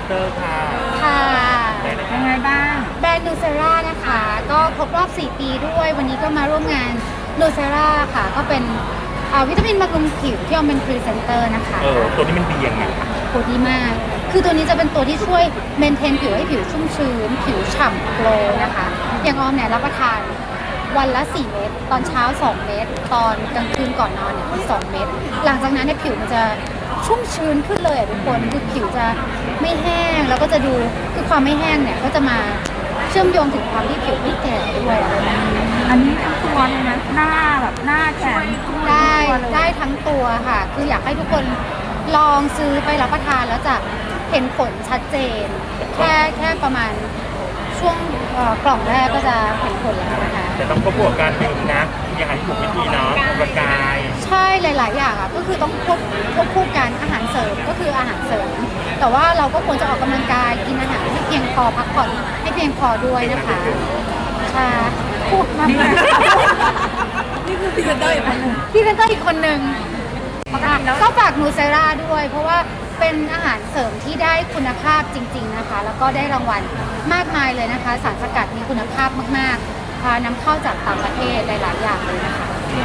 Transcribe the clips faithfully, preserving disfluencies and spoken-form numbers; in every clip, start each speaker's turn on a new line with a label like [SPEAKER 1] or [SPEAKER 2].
[SPEAKER 1] เตอร์ค่ะ
[SPEAKER 2] ค่ะ
[SPEAKER 3] ยังไงบ้าง
[SPEAKER 2] แบรนด์นูเซรานะคะ ก็ครบรอบ สี่ ปีด้วย วันนี้ก็มาร่วมงานนูเซราค่ะ ก็เป็นอ่าวิตามินบำรุงผิวที่ออมเป็นพรีเซนเตอร์นะคะ
[SPEAKER 1] เออตัวนี้มันดียังไง
[SPEAKER 2] โหดีมาก คือตัวนี้จะเป็นตัวที่ช่วยเมนเทนผิวให้ผิวชุ่มชื้น ผิวฉ่ำโกลว์นะคะ อย่างออมเนี่ยรับประทานวันละ สี่ เม็ด ตอนเช้า สอง เม็ด ตอนกลางคืนก่อนนอนเนี่ยสองเม็ด หลังจากนั้นเนี่ยผิวมันจะชุ่มชื้นขึ้นเลยอะทุกคน คือผิวจะไม่แห้ง แล้วก็จะดู คือความไม่แห้งเนี่ยก็จะมาเชื่อมโยงถึงความที่ผิวไม่แก่ด้วยอะไรแบบนี้
[SPEAKER 3] อันนี้ทั้งตัวเลยนะหน้าแบบหน้าแขน
[SPEAKER 2] ได้ได้ทั้งตัวค่ะ คืออยากให้ทุกคนลองซื้อไปรับประทานแล้วจะเห็นผลชัดเจน แค่แค่ประมาณช่วงเอ่อกล่องแรกก็จะเห็นผลแล้วนะคะ
[SPEAKER 1] แต่ต้องควบคู่กับการดื่มนะมีอาหารที่ถูกวิธีเนาะออกกำลังกาย
[SPEAKER 2] ใช่หลาย ๆ อย่างอ่ะก็คือต้องควบควบคู่กันอาหารเสริมก็คืออาหารเสริม แต่ว่าเราก็ควรจะออกกำลังกายกินอาหารให้เพียงพอพักผ่อนให้เพียงพอด้วยนะคะค่ะพูดมาก
[SPEAKER 3] นี่คือพรีเซนเตอร์อีกคนหนึ่ง
[SPEAKER 2] พี่เซนเตอร์อีกคนหนึ่งก็ฝากนูเซราด้วย เพราะว่าเป็นอาหารเสริมที่ได้คุณภาพจริง ๆ นะคะ แล้วก็ได้รางวัลมากมายเลยนะคะ สารสกัดมีคุณภาพมากๆพานำเข้าจากต่างประเทศหลาย ๆ อย่างเลยนะคะ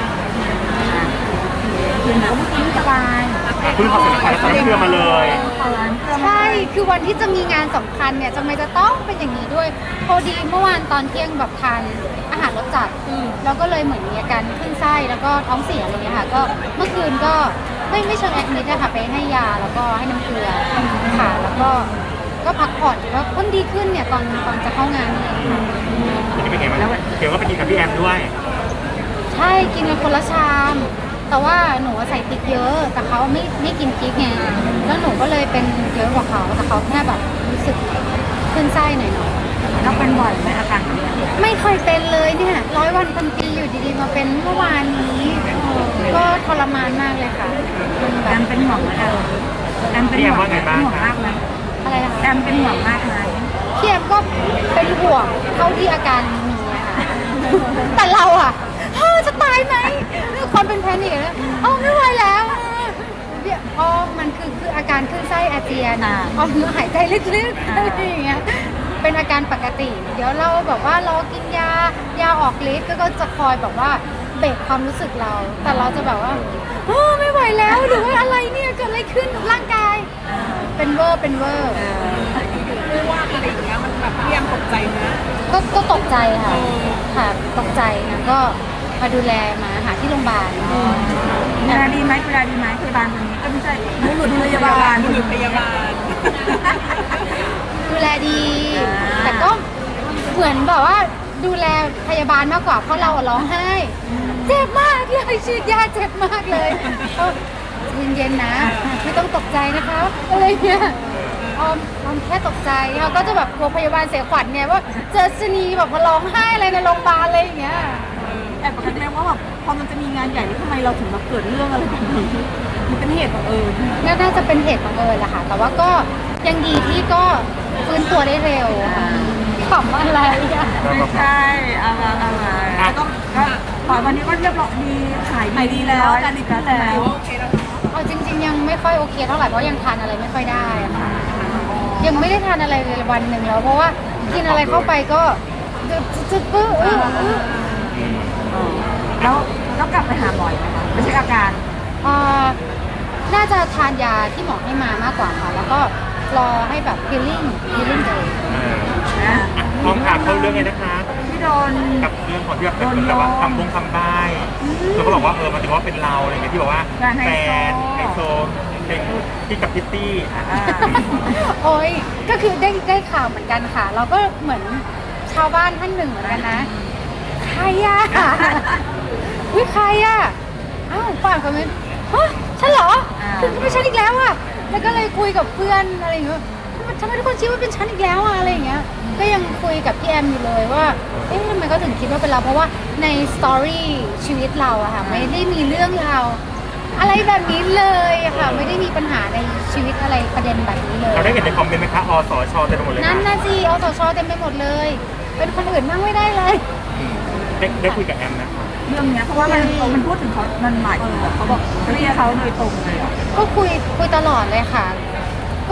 [SPEAKER 3] คือหนูก็ไม่สบาย
[SPEAKER 1] เพิ่งขอสินค้าแล้วเชื่อมาเลย
[SPEAKER 2] ใช่ คือวันที่จะมีงานสำคัญเนี่ยจะไม่จะต้องเป็นอย่างนี้ด้วย พอดีเมื่อวานตอนเที่ยงแบบทานอาหารรสจัดแล้วก็เลยเหมือนมีอาการขึ้นไส้แล้วก็ท้องเสียอะไรเงี้ยค่ะ ก็เมื่อคืนก็ไม่ไม่เชิงแอดมิดนะคะไปให้ยาแล้วก็ให้น้ำเกลือค่ะ แล้วก็ก็พักผ่อนก็เพิ่งดีขึ้นเนี่ยตอนตอนจะเข้างานนี่เองค่ะ
[SPEAKER 1] นี่เป็นไงบ้างเดี๋ยวก็ไปกินกับพี่แอมด้วย
[SPEAKER 2] ใช่กินกันคนละชาม แต่ว่าหนูใส่พริกเยอะ แต่เขาไม่ไม่กินพริกไงแล้วหนูก็เลยเป็นเยอะกว่าเขาแต่เขาแค่แบบรู้สึกขึ้นไส้หน่อยๆ
[SPEAKER 3] เราเป็นบ่อยไหมอาการแบบนี้
[SPEAKER 2] ไม่เคยเป็นเลยเนี่ยร้อยวันพันปีอยู่ดีๆมาเป็นเมื่อวานนี้ ก็ทรมานมากเลยค่ะมันแบ
[SPEAKER 3] แอบ มเป็นห่วงไหมแอมแอมเป็นห่วงไหมเป็นห่วงมากไหม
[SPEAKER 2] อะไรนะคะ
[SPEAKER 3] แอมเป็นห่วงมากไหม
[SPEAKER 2] พี่แอมก็เป็นห่วงเท่าที่อาการมีอะค่ะ แต่เราอะเฮ้อจะตายไหมคนเป็นแพนิคแล้วอ๋อไม่ไหวแล้วเนี่ยอ๋อมันคือคืออาการขึ้นไส้อาเจียนอ๋อคือหายใจลึกๆอะไรอย่างเงี้ยเป็นอาการปกติ เดี๋ยวเราแบบว่ารอกินยายาออกฤทธิ์ก็จะคอยแบบว่าเบรกความรู้สึกเรา แต่เราจะแบบว่าโอ้ไม่ไหวแล้วหรือว่าอะไรเนี่ยเกิดอะไรขึ้นกับร่างกาย เป็นเวอร์เป็นเวอร์
[SPEAKER 4] ไม่ว่าอะไรอย่างเงี้ยมันแบบเรียมตกใจนะ
[SPEAKER 2] ก็ก็ตกใจค่ะค่ะตกใจนะก็มาดูแลมาหาที่โรงพยาบาล
[SPEAKER 3] ดูแลดีไหมดูแลดีไหมพยาบาลคนนี้ก็ไม่ใช่บุรุษพยาบาล
[SPEAKER 4] บุรุษพยาบาล
[SPEAKER 2] ดูแลดี แต่ก็เหมือนแบบว่าดูแลพยาบาลมากกว่าเพราะเราอะร้องไห้เจ็บมากเลยฉีดยาเจ็บมากเลยก็เย็นๆนะไม่ต้องตกใจนะคะอะไรเงี้ยออมออมแค่ตกใจเขาก็จะแบบกลัวพยาบาลเสียขวัญไงว่าเจอชะนีแบบมาร้องไห้อะไรในโรงพยาบาลอะไรอย่างเงี้ย
[SPEAKER 3] แต่ปกติแล้วว่าแบบพอมันจะมีงานใหญ่นี่ทำไมเราถึงมาเกิดเรื่องอะไรแบบนี้มันเป็นเหตุบังเอิญ
[SPEAKER 2] น่าจะเป็นเหตุบังเอิญแหละค่ะ แต่ว่าก็ยังดีที่ก็ฟื้นตัวได้เร็วค่ะขำอะไรอ่ะ
[SPEAKER 3] ไม่ใช่เอามาเอามาก็ก็ขอวันนี้ก็เรียบร้อยดีขายดีแล้วการดีขึ้นแล้ว
[SPEAKER 4] โอเคแล้วเนาะ
[SPEAKER 2] เอาจริง ๆ ยังไม่ค่อยโอเคเท่าไหร่เพราะยังทานอะไรไม่ค่อยได้อะค่ะ ยังไม่ได้ทานอะไรเลยวันหนึ่งแล้ว เพราะว่ากินอะไรเข้าไปก็จะจะปื้ออื้ออื้อ
[SPEAKER 3] แล้วต้องกลับไปหาหมอไหมคะไม่ใช่อาการ
[SPEAKER 2] อ่าน่าจะทานยาที่หมอให้มามากกว่าค่ะ แล้วก็รอให้แบบ healing healing เลย
[SPEAKER 3] นะ
[SPEAKER 1] พร้อมข่าวเข้าเรื่องเลยนะคะ
[SPEAKER 3] ที่โดน
[SPEAKER 1] กับเรื่องของที่แบบเป็นแบบว่าคำบงคำใบ้คือเขาบอกว่าเออมันถือว่าเป็นเราอะไรเงี้ยที่บอกว่าแฟนไฮโซเป็นที่กับพิตตี้
[SPEAKER 2] โอ้ยก็คือได้ได้ข่าวเหมือนกันค่ะ เราก็เหมือนชาวบ้านท่านหนึ่งเหมือนกันนะ ใครอะวิใครอะอ้าวฝ่ายคอมเมนต์ฮะฉันเหรอคือไม่ใช่อีกแล้วอะแล้วก็เลยคุยกับเพื่อนอะไรอย่างเงี้ยทำไมทุกคนคิดว่าเป็นฉันอีกแล้วอะอะไรอย่างเงี้ยก็ยังคุยกับพี่แอมอยู่เลยว่าเอ๊ะทำไมเขาถึงคิดว่าเป็นเราเพราะว่าในสตอรี่ชีวิตเราอะค่ะไม่ได้มีเรื่องราวอะไรแบบนี้เลยอะค่ะไม่ได้มีปัญหาในชีวิตอะไรประเด็นแบบนี้เลย
[SPEAKER 1] เราได้เห็นในคอมเมนต์ไหมคะอสชเต็มไปหมดเลย
[SPEAKER 2] นั่น
[SPEAKER 1] ค่ะ
[SPEAKER 2] น่ะสิอสชเต็มไปหมดเลย เป็นคนอื่นนั่งไม่ได้เลย
[SPEAKER 1] ได้ได้คุยกับแอมนะคะ
[SPEAKER 3] เรื่องเนี้ยเพราะว่ามันมันพูดถึงเขามันหมายถึงแบบเขาบอกเรียกเขาโดยตรงเลยอ่ะ
[SPEAKER 2] ก็คุยคุยตลอดเลยค่ะ ก็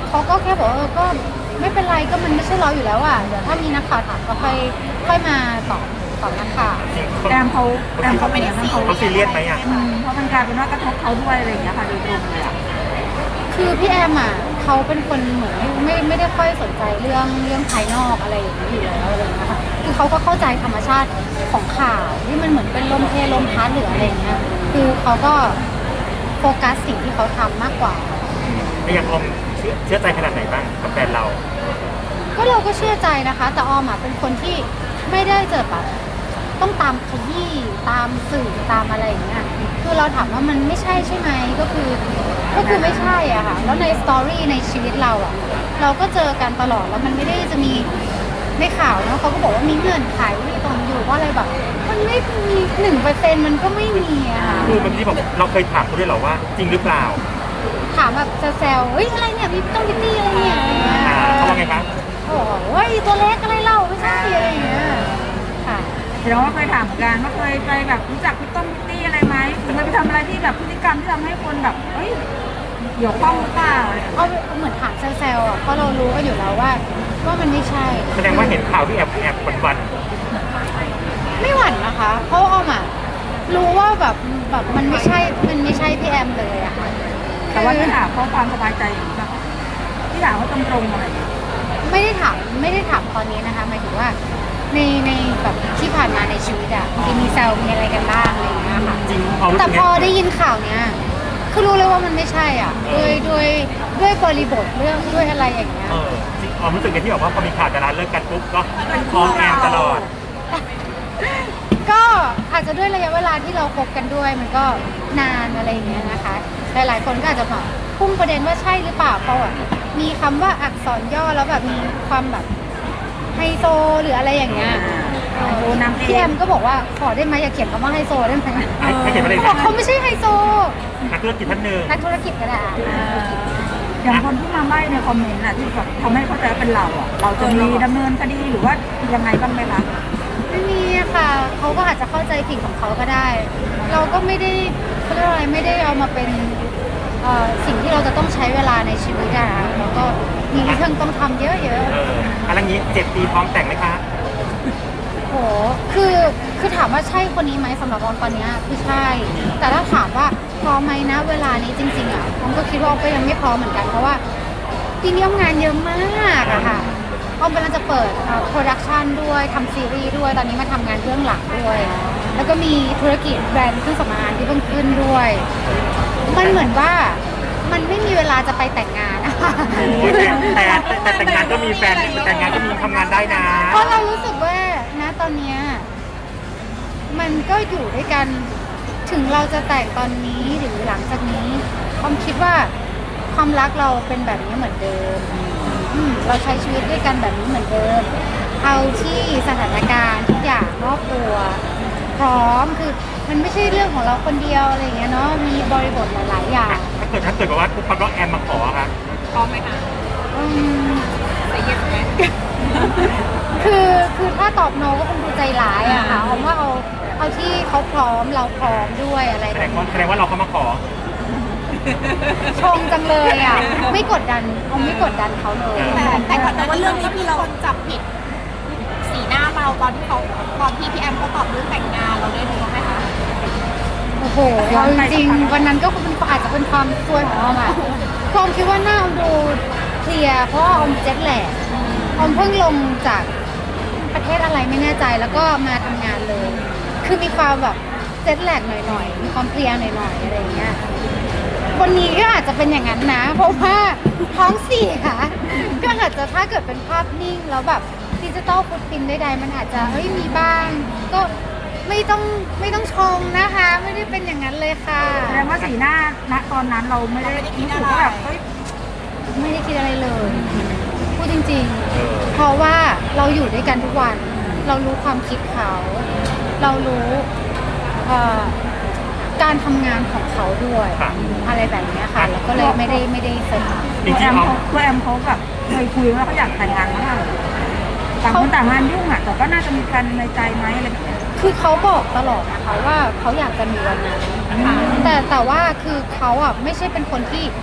[SPEAKER 2] เขาก็แค่บอกว่าเออก็ไม่เป็นไรก็มันไม่ใช่เราอยู่แล้วอ่ะเดี๋ยวถ้ามีนักข่าวถามก็ค่อยค่อยมาตอบตอบนักข่าว
[SPEAKER 1] จริง
[SPEAKER 3] แอมเขาแอมเขาไม่ได้ซี
[SPEAKER 1] เขาซีเรียสไหมอ่ะ
[SPEAKER 3] อืมเพราะมันกลายเป็นว่ากระทบเขาด้วยอะไรอย่างเงี้ยค่ะโดยตรงเลยอ่ะ
[SPEAKER 2] คือพี่แอมอ่ะเขาเป็นคนเหมือนไม่ไม่ได้ค่อยสนใจเรื่องเรื่องภายนอกอะไรอย่างนี้อยู่แล้วอะไรอย่างเงี้ยค่ะคือเขาก็เข้าใจธรรมชาติของข่าวที่มันเหมือนเป็นลมเพลลมพัดหรืออะไรอย่างเงี้ยคือเขาก็โฟกัสสิ่งที่เขาทำมากกว่า
[SPEAKER 1] ไม่ยังออมเชื่อเชื่อใจขนาดไหนบ้างกับแฟนเรา
[SPEAKER 2] ก็เราก็เชื่อใจนะคะ แต่ออมอ่ะเป็นคนที่ไม่ได้เจอแบบต้องตามขยี้ตามสื่อตามอะไรอย่างเงี้ยคือเราถามว่ามันไม่ใช่ใช่ไหมก็คือก็คือไม่ใช่อ่ะค่ะแล้วในสตอรี่ในชีวิตเราอ่ะเราก็เจอกันตลอดแล้วมันไม่ได้จะมีในข่าวเนาะเขาก็บอกว่ามีเงื่อนไขมีตรงอยู่ว่าอะไรแบบมันไม่มีหนึ่งเปอร์เซ็นต์มันก็ไม่มีอะค่ะ
[SPEAKER 1] คือเมื่อกี้บอกเราเคยถามเขาด้วยเหรอว่าจริงหรือเปล่า
[SPEAKER 2] ถามแบบแซวๆเฮ้ยอะไรเนี่ยมีต้องพิตตี้อะไรเนี่ยอะไรเงี้ย
[SPEAKER 1] อ่าเขาว่าไงคะ
[SPEAKER 2] โอ้โหเฮ้ยตัวเล็กอะไรเล่าไม่ใช่อะไรอย่างเงี้ยค่ะ
[SPEAKER 3] แสดงว่าเคยถามเหมือนกันว่าเคยไปแบบรู้จักพี่ต้มพิตตี้อะไรไหมหรือเคยไปทำอะไรที่แบบพฤติกรรมที่ทำให้คนแบบเอ้ยเกี่ยวข้องหรือเปล่า
[SPEAKER 2] เอาเหมือนถามแซวๆอ่ะเพราะเรารู้กันอยู่แล้วว่าว่ามันไม่ใช่
[SPEAKER 1] แสดงว่าเห็นข่าวที่แอบแอบหวัน
[SPEAKER 2] ไม่หวั่นนะคะ เพราะออมอ่ะรู้ว่าแบบแบบมันไม่ใช่มันไม่ใช่พี่แอมเลยอะค่ะ
[SPEAKER 3] แต่ว่าที่ถามเพราะความสบายใจอย่างนี้ป่ะที่ถามว่าตรงๆอะไรอย่างเงี้ย
[SPEAKER 2] ไม่ได้ถามไม่ได้ถามตอนนี้นะคะหมายถึงว่าในในแบบที่ผ่านมาในชีวิตอะมีมีแซวมีอะไรกันบ้างอะไรอย่างเงี้ยค่ะ
[SPEAKER 1] ๆจริงเอารู้
[SPEAKER 2] แต่
[SPEAKER 1] สึก
[SPEAKER 2] พอ
[SPEAKER 1] ไง
[SPEAKER 2] ได้ยินข่าวเนี้ยคือรู้เลยว่ามันไม่ใช่อ่ะด้วยด้วยด้วยบริบทเรื่องด้วยอะไรอย่างเงี้ย
[SPEAKER 1] เออจริงความรู้สึกไงที่แบบว่าพอมีข่าวดาราเลิกกันปุ๊บก็ฟ้องแอมตลอด
[SPEAKER 2] ก็อาจจะด้วยระยะเวลาที่เราคบกันด้วยมันก็นานอะไรอย่างเงี้ยนะคะ หลายๆคนก็อาจจะแบบพุ่งประเด็นว่าใช่หรือเปล่าเพราะว่ามีคำว่าอักษรย่อแล้วแบบมีความแบบไฮโซหรืออะไรอย่างเงี้ย
[SPEAKER 3] ไฮโซนำเอง
[SPEAKER 2] พี่แอมก็บอกว่าขอได้ไหมอย่าเขียนคำว่าไฮโซได้ไหม
[SPEAKER 1] ให้ให้เขียนว่าอะไร
[SPEAKER 2] เขาบอกเขาไม่ใช่ไฮโซ
[SPEAKER 1] นักธุรกิจท่านหนึ่ง
[SPEAKER 2] นักธุรกิจก็ได้
[SPEAKER 3] อย่างคนที่มาใบ้ในคอมเมนต์น่ะที่แบบทำให้เข้าใจว่าเป็นเราอ่ะเราจะมีดำเนินคดีหรือว่ายังไงบ้างไหมคะ
[SPEAKER 2] ไม่มีอะค่ะเขาก็อาจจะเข้าใจผิดของเขาก็ได้ เราก็ไม่ได้เขาเรียกว่าอะไรไม่ได้เอามาเป็นเอ่อสิ่งที่เราจะต้องใช้เวลาในชีวิตอะนะแล้วก็มีเรื่องต้องทำเยอะ
[SPEAKER 1] เอออะไรอย่างนี้เจ็ดปีพร้อมแต่งไหมคะ
[SPEAKER 2] ๆโหคือคือถามว่าใช่คนนี้ไหมสำหรับออมตอนเนี้ยคือใช่ แต่ถ้าถามว่าพร้อมไหมนะเวลานี้จริงๆอะออมก็คิดว่าออมก็ยังไม่พร้อมเหมือนกันเพราะว่าปีนี้ออมงานเยอะมากอะค่ะออมกำลังจะเปิดโปรดักชันด้วยทำซีรีส์ด้วยตอนนี้มาทำงานเบื้องหลังด้วย แล้วก็มีธุรกิจแบรนด์เครื่องสำอางที่เพิ่งขึ้นด้วย มันเหมือนว่ามันไม่มีเวลาจะไปแต่งงานนะคะ
[SPEAKER 1] โอ้ยแต่แต่แต่แต่งงานก็มีแฟนแต่งงานก็มีทำงานได้นะ
[SPEAKER 2] เพราะเรารู้สึกว่านะตอนเนี้ยมันก็อยู่ด้วยกันถึงเราจะแต่งตอนนี้หรือหลังจากนี้ออมคิดว่าความรักเราเป็นแบบนี้เหมือนเดิมอืมเราใช้ชีวิตด้วยกันแบบนี้เหมือนเดิม เอาที่สถานการณ์ทุกอย่างรอบตัว พร้อมคือมันไม่ใช่เรื่องของเราคนเดียวอะไรอย่างเงี้ยเนาะมีบริบทหลายๆอย่าง
[SPEAKER 1] ถ้าเกิดถ้าเกิดแบบว่าทุกคนก็แอมมาขอครับ
[SPEAKER 4] พร้อมไหมคะ
[SPEAKER 2] อืม
[SPEAKER 4] ใส่เย็นไหม
[SPEAKER 2] คือคือถ้าตอบโนก็คงดูใจร้ายอะค่ะเพราะว่าเอาเอาที่เขาพร้อมเราพร้อมด้วยอะไร
[SPEAKER 1] แส
[SPEAKER 2] แบ
[SPEAKER 1] ด
[SPEAKER 2] บ
[SPEAKER 1] งว่า
[SPEAKER 2] นี้
[SPEAKER 1] แสดงว่าเราเขามาขอ
[SPEAKER 2] ชงจังเลยอะไม่กดดันเอาไม่กดดันเขาเลย
[SPEAKER 4] แต่แต่ก่อนแต่ว่าเรื่องนี้พี่เราจับผิดสีหน้าเราตอนที่เขาตอนที่พี่แอมเขาตอบเรื่องแต่งงานเราได้ดูไหมคะ
[SPEAKER 2] โอ้โหเอาจริงๆวันนั้นก็เป็นอาจจะเป็นความซวยของออมอะคือออมคิดว่าหน้าออมดูเคลียร์เพราะว่าออมเจ็ตแลกออมเพิ่งลงจากประเทศอะไรไม่แน่ใจแล้วก็มาทำงานเลย คือมีความแบบเจ็ตแลกหน่อยๆมีความเพลียหน่อยๆอะไรอย่างเงี้ย วันนี้ก็อาจจะเป็นอย่างนั้นนะ เพราะว่าท้องเสียก็อาจจะถ้าเกิดเป็นภาพนิ่งแล้วแบบดิจิตอลฟุตพินใดๆมันอาจจะเฮ้ยมีบ้าง ก็ไม่ต้องไม่ต้องชมนะคะ ไม่ได้เป็นอย่างนั้นเลยค่ะ
[SPEAKER 3] แสดงว่าสีหน้าณตอนนั้นเราไม่ได้รู้สึกว่าแบบเฮ้ย
[SPEAKER 2] ไม่ได้คิดอะไรเลยพูดจริง
[SPEAKER 1] เออ
[SPEAKER 2] ๆ เพราะว่าเราอยู่ด้วยกันทุกวัน เรารู้ความคิดเขา เรารู้เอ่อการทำงานของเขาด้วย
[SPEAKER 1] ค่ะ
[SPEAKER 2] อะไรแบบเนี้ยค่ะ แล้วก็เลยไม่ได้ไม่ได้สนใจ
[SPEAKER 1] จ
[SPEAKER 3] ตัว
[SPEAKER 1] ริ
[SPEAKER 3] แอง ม
[SPEAKER 1] ๆเขา
[SPEAKER 3] เขาตัวแอมเขาแบบเคยคุยว่าเขาอยากแต่งงานมากต่างคนต่างงานยุ่งอ่ะแต่ก็น่าจะมีแฟนในใจไหมอะไรแบบเนี้ย
[SPEAKER 2] คือเขาบอกตลอดนะคะว่าเขาอยากจะมีวันนั้นแต่แต่ว่าคือเขาอ่ะไม่ใช่เป็นคนที่จ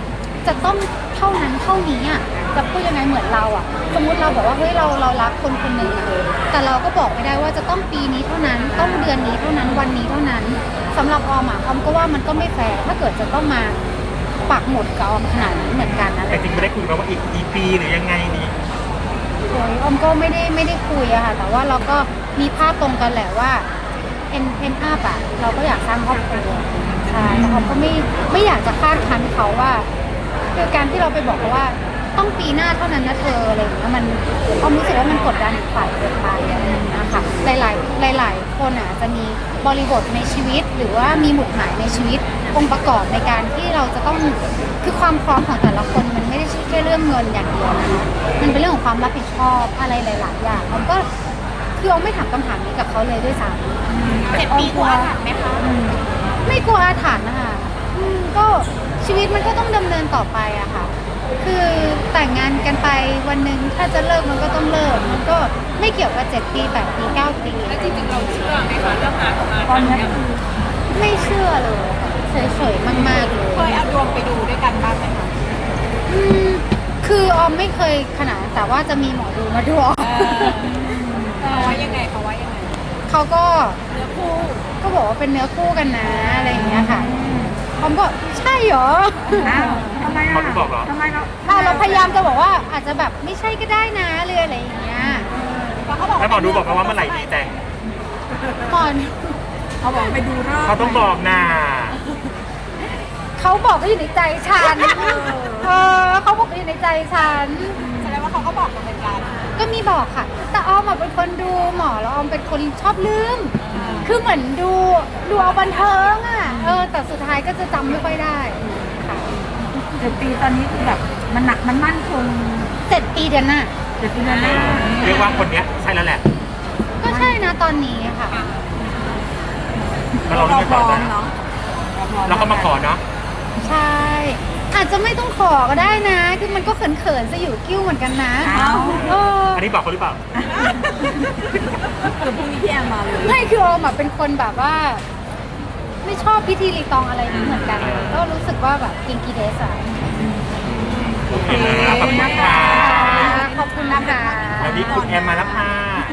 [SPEAKER 2] จะต้องเท่านั้นเท่านี้อ่ะจะพูดยังไงเหมือนเราอ่ะสมมุติเราบอกว่าเฮ้ยเราเรารักคนคนหนึ่งอะแต่เราก็บอกไม่ได้ว่าจะต้องปีนี้เท่านั้นต้องเดือนนี้เท่านั้นวันนี้เท่านั้นสำหรับออมอ่ะออมก็ว่ามันก็ไม่แฟร์ถ้าเกิดจะต้องมาปักหมุดกับออมขนาดนี้เหมือนกันนะ
[SPEAKER 1] แต่จริงไม่ได้คุยกันว่าอีกกี่ปีหรือยังไงดี
[SPEAKER 2] โอ้ยออมก็ไม่ได้ไม่ได้คุยอะค่ะแต่ว่าเราก็มีภาพตรงกันแหละว่าเอ็นเอ็นอัพอะเราก็อยากสร้างครอบครัวใช่แต่ออมก็ไม่ไม่อยากจะคาดคั้นเขาว่าคือการที่เราไปบอกเขาว่าต้องปีหน้าเท่านั้นนะเธออะไรอย่างเงี้ยมันออมรู้สึกว่ามันกดดันอีกฝ่ายเกินไปอะไรอย่างเงี้ยค่ะหลายๆหลายๆคนอะจะมีบริบทในชีวิตหรือว่ามีหมุดหมายในชีวิตองค์ประกอบในการที่เราจะต้องคือความพร้อมของแต่ละคนมันไม่ได้ใช่แค่เรื่องเงินอย่างเดียวนะมันเป็นเรื่องของความรับผิดชอบอะไรหลายๆอย่างออมก็คือออมไม่ถามคำถามนี้กับเขาเลยด้วยซ้ำ
[SPEAKER 4] เจ็ดปีกลัวอาถรรพ์ไหมคะ
[SPEAKER 2] ไม่กลัวอาถรรพ์นะคะอืมก็ชีวิตมันก็ต้องดำเนินต่อไปอะค่ะ คือแต่งงานกันไปวันหนึ่งถ้าจะเลิกมันก็ต้องเลิก มันก็ไม่เกี่ยวกับเจ็ดปีแปดปีเก้าปี
[SPEAKER 4] แล้วจริงๆเราเชื่อไหมคะเรื่องอาถรรพ์
[SPEAKER 3] ตอนนี้คือ
[SPEAKER 2] ไม่เชื่อเลยค่ะเฉยๆมากๆเลย
[SPEAKER 4] เคยเอาดวงไปดูด้วยกันบ้างไหมคะ
[SPEAKER 2] อืมคือออมไม่เคยขนาดนั้นแต่ว่าจะมีหมอดูมาดูออม
[SPEAKER 4] เขาว่ายังไงเขาว่ายังไง
[SPEAKER 2] เขาก็
[SPEAKER 4] เนื้อคู่
[SPEAKER 2] ก็บอกว่าเป็นเนื้อคู่กันนะอะไรอย่างเงี้ยค่ะออมก็ใช่เหรอ
[SPEAKER 3] อ้าวทำไมอ่ะ
[SPEAKER 1] เขาไม่บอกเหรอ
[SPEAKER 3] ทำไมเรา
[SPEAKER 2] อ่ะเราพยายามจะบอกว่าอาจจะแบบไม่ใช่ก็ได้นะเรืออะไรอย่างเงี้ย
[SPEAKER 4] แล้วเขาบอก
[SPEAKER 1] แล้วหมอดูบอกมาว่าเมื่อไหร่ดีแต่ง
[SPEAKER 2] ก่อน
[SPEAKER 3] เขาบอกไปดูรอบ
[SPEAKER 1] เขาต้องบอกนะ
[SPEAKER 2] เขาบอกก็อยู่ในใจฉันเออเขาบอกก็อยู่ในใจฉัน
[SPEAKER 4] แสดงว่าเขาก็บอกมาเหมือนกัน
[SPEAKER 2] ก็มีบอกค่ะ แต่ออมอะเป็นคนดูหมอแล้วออมเป็นคนชอบลืม คือเหมือนดูดูเอาบันเทิงอ่ะเออแต่สุดท้ายก็จะจำไม่ค่อยได้ค่ะ
[SPEAKER 3] เจ็ดปีตอนนี้คือแบบมันหนักมันมั่นคง
[SPEAKER 2] เจ็ดปีเดือนหน้า
[SPEAKER 3] เจ็ดปีแล้วนะ
[SPEAKER 1] เรียกว่าคนเนี้ยใช่แล้วแหละ
[SPEAKER 2] ก็ใช่นะตอนนี้ค่ะ
[SPEAKER 1] แล้วเราเลือกต่อได้
[SPEAKER 3] เนาะ
[SPEAKER 1] แล้วก็มาขอเนาะ
[SPEAKER 2] ใช่ อาจจะไม่ต้องขอก็ได้นะ คือมันก็เขินๆจะอยู่กิ้วเหมือนกันนะ
[SPEAKER 3] เอา
[SPEAKER 2] เออ
[SPEAKER 1] อันนี้บอกเขาหรือเปล่า
[SPEAKER 3] คือพรุ่งนี้พี่แอมมาเลย
[SPEAKER 2] ไม่คือออมอะเป็นคนแบบว่า ไม่ชอบพิธีรีตองอะไรนี้เหมือนกัน ก็รู้สึกว่าแบบกินกีเดสอะ
[SPEAKER 1] โอเคนะขอบคุณค่ะ
[SPEAKER 2] ขอบคุณนะคะ
[SPEAKER 1] วันนี้คุณแอมมาแล้วค่ะ